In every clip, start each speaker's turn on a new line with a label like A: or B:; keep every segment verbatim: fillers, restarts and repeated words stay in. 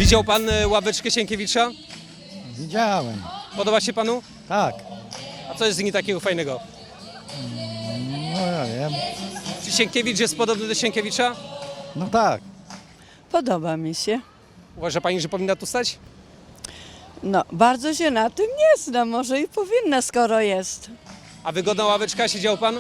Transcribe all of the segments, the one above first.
A: Widział pan e, ławeczkę Sienkiewicza?
B: Widziałem,
A: Podoba się panu?
B: tak.
A: A co jest z niej takiego fajnego?
B: No ja wiem.
A: Czy Sienkiewicz jest podobny do Sienkiewicza?
B: No tak.
C: Podoba mi się.
A: Uważa pani, że powinna tu stać?
C: No, bardzo się na tym nie znam, może i powinna, skoro jest.
A: A wygodna ławeczka, siedział pan?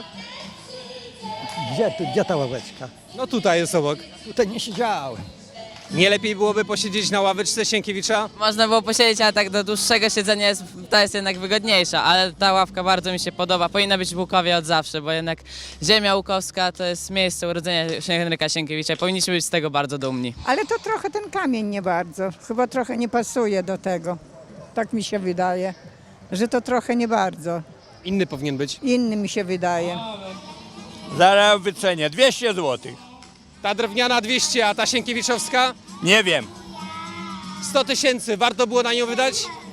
B: Gdzie, tu, gdzie ta ławeczka?
A: No tutaj jest obok.
B: Tutaj nie siedziałem.
A: Nie lepiej byłoby posiedzieć na ławeczce Sienkiewicza?
D: Można było posiedzieć, ale tak do dłuższego siedzenia jest, ta jest jednak wygodniejsza, ale ta ławka bardzo mi się podoba. Powinna być w Łukowie od zawsze, bo jednak ziemia łukowska to jest miejsce urodzenia Henryka Sienkiewicza i powinniśmy być z tego bardzo dumni.
E: Ale to trochę ten kamień nie bardzo. Chyba trochę nie pasuje do tego. Tak mi się wydaje, że to trochę nie bardzo.
A: Inny powinien być.
E: Inny mi się wydaje.
F: Zaraz wycenię, dwieście złotych.
A: Ta drewniana dwieście, a ta Sienkiewiczowska
F: Nie wiem,
A: sto tysięcy. Warto było na nią wydać?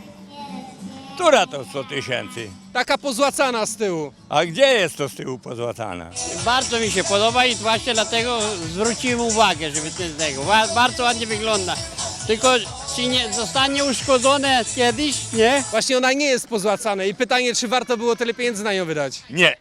F: która to sto tysięcy?
A: Taka pozłacana z tyłu.
F: A gdzie jest to z tyłu pozłatana?
G: Bardzo mi się podoba i właśnie dlatego zwróciłem uwagę, żeby to z tego. Ba- Bardzo ładnie wygląda. Tylko czy nie zostanie uszkodzone kiedyś, nie?
A: Właśnie ona nie jest pozłacana i pytanie, czy warto było tyle pieniędzy na nią wydać?
F: Nie.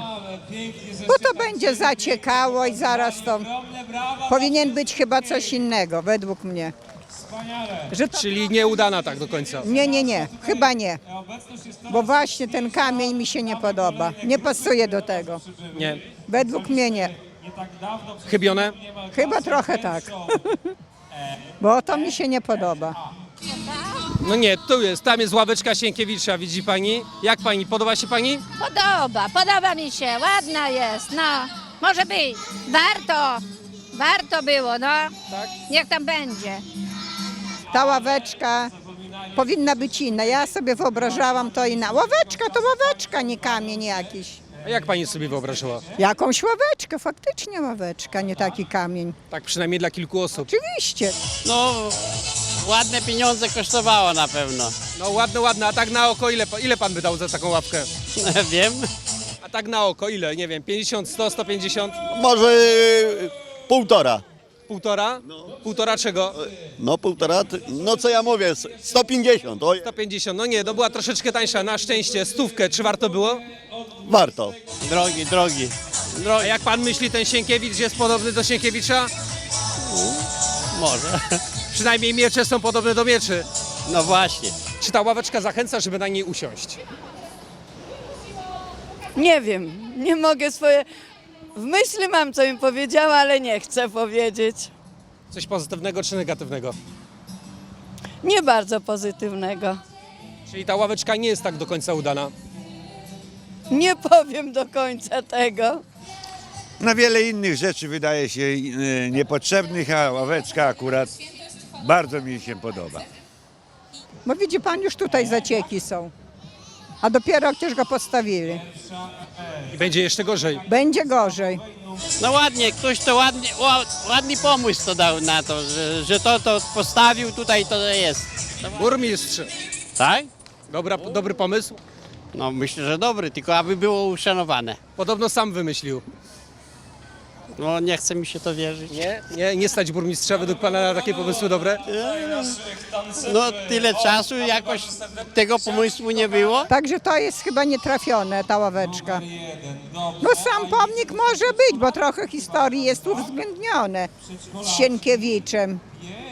E: Bo to będzie zaciekało i zaraz to powinien być chyba coś innego, według mnie. Że to...
A: Czyli nieudana tak do końca.
E: Nie, nie, nie, chyba nie. Bo właśnie ten kamień mi się nie podoba. Nie pasuje do tego.
A: Nie.
E: Według mnie nie.
A: Chybione?
E: Chyba trochę tak. Bo to mi się nie podoba.
A: No nie, tu jest, tam jest ławeczka Sienkiewicza, widzi pani? Jak pani, podoba się pani?
H: Podoba, podoba mi się, ładna jest, no. Może być, warto, warto było, no.
A: Tak.
H: Niech tam będzie.
E: Ta ławeczka powinna być inna. Ja sobie wyobrażałam to inna. Ławeczka to ławeczka, nie kamień jakiś.
A: A jak pani sobie wyobrażała?
E: Jakąś ławeczkę, faktycznie ławeczka, nie taki kamień.
A: Tak przynajmniej dla kilku osób.
E: Oczywiście.
G: No, ładne pieniądze kosztowało na pewno.
A: No ładne, ładne, a tak na oko ile, pa- ile pan by dał za taką ławkę?
G: Wiem.
A: A tak na oko ile? Nie wiem, pięćdziesiąt, sto, sto pięćdziesiąt?
I: Może y, półtora.
A: Półtora? Półtora czego?
I: No półtora, t- no co ja mówię, s- sto pięćdziesiąt, oj,
A: sto pięćdziesiąt, no nie, no była troszeczkę tańsza, na szczęście, stówkę, czy warto było?
I: warto.
G: Drogi, drogi.
A: A
G: drogi.
A: jak pan myśli, ten Sienkiewicz jest podobny do Sienkiewicza?
G: Może.
A: Przynajmniej miecze są podobne do mieczy.
G: No właśnie.
A: Czy ta ławeczka zachęca, żeby na niej usiąść?
C: Nie wiem, nie mogę swoje... W myśli mam, co mi powiedziała, ale nie chcę powiedzieć.
A: Coś pozytywnego czy negatywnego?
C: Nie bardzo pozytywnego.
A: Czyli ta ławeczka nie jest tak do końca udana.
C: Nie powiem do końca tego.
J: Na wiele innych rzeczy wydaje się e, niepotrzebnych, a ławeczka akurat bardzo mi się podoba.
E: Bo widzi pan, już tutaj zacieki są. A dopiero jak też go postawili.
A: I będzie jeszcze gorzej.
E: Będzie gorzej.
G: No ładnie, ktoś to ładnie, ła- ładny pomysł to dał na to, że, że to, to postawił tutaj, to jest.
A: Burmistrz,
G: Tak?
A: dobra, dobry pomysł.
G: No myślę, że dobry, tylko aby było uszanowane.
A: Podobno sam wymyślił.
G: No nie chce mi się to wierzyć.
A: Nie? Nie, nie stać burmistrza według pana na takie pomysły dobre?
G: No tyle czasu jakoś tego pomysłu nie było.
E: Także to jest chyba nietrafione, ta ławeczka. No sam pomnik może być, bo trochę historii jest uwzględnione z Sienkiewiczem.